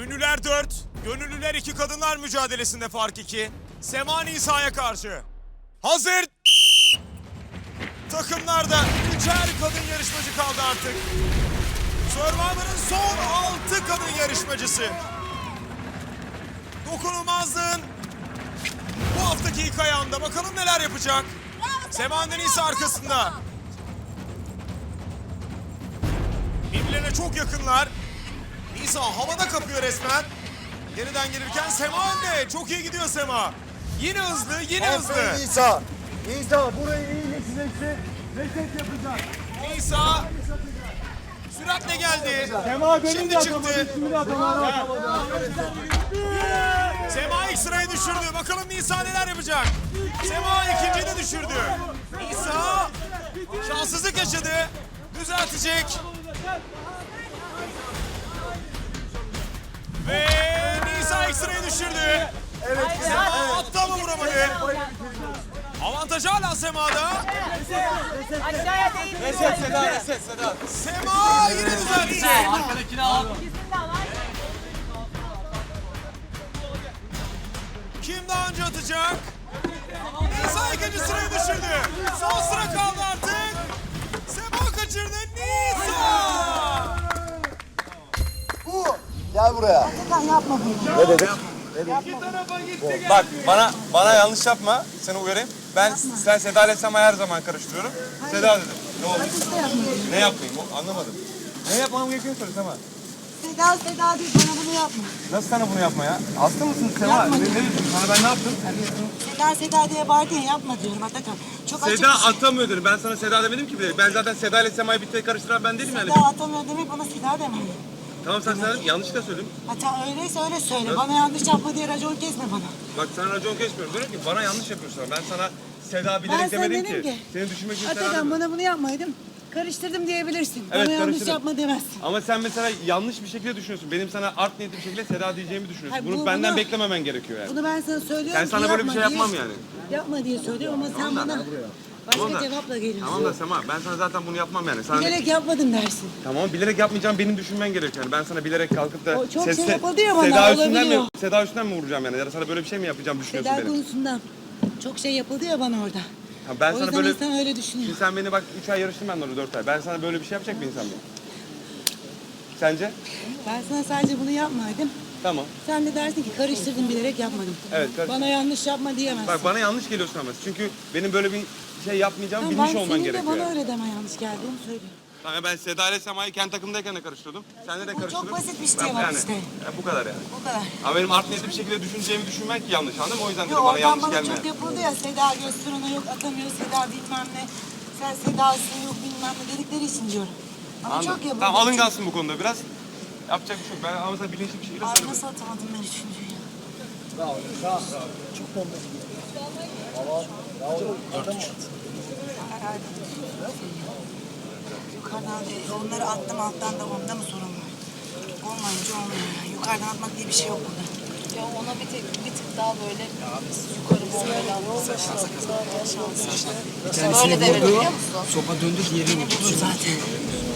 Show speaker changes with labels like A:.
A: Ünlüler 4, gönüllüler 2 kadınlar mücadelesinde fark 2. Sema Nisa'ya karşı. Hazır. Takımlarda 3'er kadın yarışmacı kaldı artık. Survivor'ın son 6 kadın yarışmacısı. Dokunulmazlığın bu haftaki ilk ayağında bakalım neler yapacak. Sema Nisa arkasında. Birbirlerine çok yakınlar. Nisa havada kapıyor resmen. Geriden gelirken Sema önde. Çok iyi gidiyor Sema. Yine hızlı, yine hızlı.
B: Nisa. Nisa burayı iyi geçeceksin. Reset yapacak.
A: Nisa süratle geldi.
B: Sema benim
A: Şimdi
B: de
A: çıktı.
B: atamadı. Şimdi de atamadı.
A: Sema ilk sırayı düşürdü. Bakalım Nisa neler yapacak. Sema ikinciyi de düşürdü. Nisa şanssızlık yaşadı. Düzeltecek. Ve Nisa ilk sırayı düşürdü.
B: Evet.
A: Sema attı ama vuramadı. Avantaj hala Sema'da.
C: Aşağıya değil.
B: Reset Seda, reset Seda.
A: Sema yine düzeltecek.
B: Arkadakini al.
A: Kim daha önce atacak? Nisa ikinci sırayı düşürdü. Son sıra kaldı artık. Sema kaçırdı. Nisa!
B: Gel buraya.
C: Yapma bunu.
B: Ne dedim?
D: Bak bana yanlış yapma. Seni uyarayım. Sen Seda ile Sema'yı her zaman karıştırıyorum. Seda dedim. Ne oldu? Ne yapmayayım? Anlamadım. Ne yapmam gerektiğini söyle Sema.
C: Seda değil bana bunu yapma.
D: Nasıl sana bunu yapma ya? Hasta mısın Sema? Ne diyorsun? Sana ben ne yaptım?
C: Seda diye bağırdın ya yapma diyorum Atakan. Çok açık
D: Seda
C: bir şey.
D: atamıyor dedim. Ben sana Seda demedim ki bile. Ben zaten Seda ile Sema'yı bir tek karıştıran ben değilim yani.
C: Seda atamıyor demek bana Seda deme.
D: Tamam sen yanlışlıkla söyledin.
C: Hatta öyleyse öyle söyle. Bana yanlış yapma diye racon kesme bana.
D: Bak sana racon geçmiyorum. Diyorum ki bana yanlış yapıyorsun. Ben sana Seda
C: Ben
D: bilerek
C: sana
D: demedim
C: dedim
D: ki.
C: ki,
D: Seni düşünmek için Seda
C: Atakan
D: demedim.
C: bana bunu yapmaydım. Karıştırdım diyebilirsin.
D: Evet,
C: Bana yanlış
D: karıştırdım.
C: yapma demezsin.
D: Ama sen mesela yanlış bir şekilde düşünüyorsun. Benim sana art niyetli bir şekilde Seda diyeceğimi düşünüyorsun.
C: Hayır,
D: Bunu benden
C: bunu-
D: beklememen gerekiyor yani.
C: Bunu ben sana söylüyorum
D: Ben
C: ki
D: sana böyle bir şey
C: yapma
D: yapmam
C: diye-
D: yani.
C: Yapma diye söylüyorum ama sen bana başka
D: Tamam da-
C: cevapla geliyorsun.
D: Tamam da Sema ben sana zaten bunu yapmam yani. Sana
C: Bilerek yapmadım dersin.
D: Tamam bilerek yapmayacağım benim düşünmen gerekiyor yani. Ben sana bilerek kalkıp da
C: O çok şey yapıldı ya bana,
D: Seda üstünden
C: olabiliyor.
D: Seda üstünden mi vuracağım yani? Ya da sana böyle bir şey mi yapacağım düşünüyorsun
C: Seda
D: benim?
C: konusundan çok şey yapıldı ya bana orada.
D: Ha, ben
C: O
D: sana
C: yüzden
D: böyle
C: insan öyle düşünüyor.
D: Şimdi sen beni bak 3 ay yarıştın ben orada 4 ay. Ben sana böyle bir şey yapacak bir insan mıyım? Sence?
C: Ben sana sadece bunu yapmaydım.
D: Tamam.
C: Sen de dersin ki karıştırdım bilerek yapmadım.
D: Evet,
C: Bana yanlış yapma diyemezsin.
D: Bak bana yanlış geliyorsun ama. Çünkü benim böyle bir şey yapmayacağımı
C: Tamam,
D: bilmiş olman
C: senin de
D: gerekiyor.
C: bana
D: yani.
C: öyle deme yanlış geldi onu söylüyorum.
D: Tamam ben Seda ile Sema'yı kendi takımdayken de karıştırıyordum. Senle de
C: Bu çok
D: karıştırdım.
C: basit bir şey
D: Ben-
C: var
D: yani,
C: işte.
D: Bu kadar yani.
C: O kadar.
D: Ama benim art niyetli bir şekilde düşüneceğimi düşünmek yanlış anladın mı? O yüzden
C: Yok
D: dedim bana
C: oradan
D: yanlış
C: bana
D: gelme.
C: çok yapıldı ya Seda göster ona yok atamıyor Seda bilmem ne. Sen Seda'sın yok bilmem ne dedikleri için diyorum. Ama
D: Anladım.
C: çok yapıldı.
D: Tamam alıngansın bu konuda biraz. Yapacak bir şey yok. Ben ama sana bilinçli bir şekilde
C: Ay
D: söyledim.
C: nasıl atamadım ben üçüncüyü ya. Herhalde. Yukarıdan onları attım alttan da onda mı sorun var? Olmayınca olmuyor ya. Yukarıdan atmak diye bir şey yok burada.
E: Ya ona bir tık daha böyle yukarı bombayla
C: Şans.
E: Böyle devir biliyor musun?
F: Sopa döndük yerini
C: Beni bulur zaten.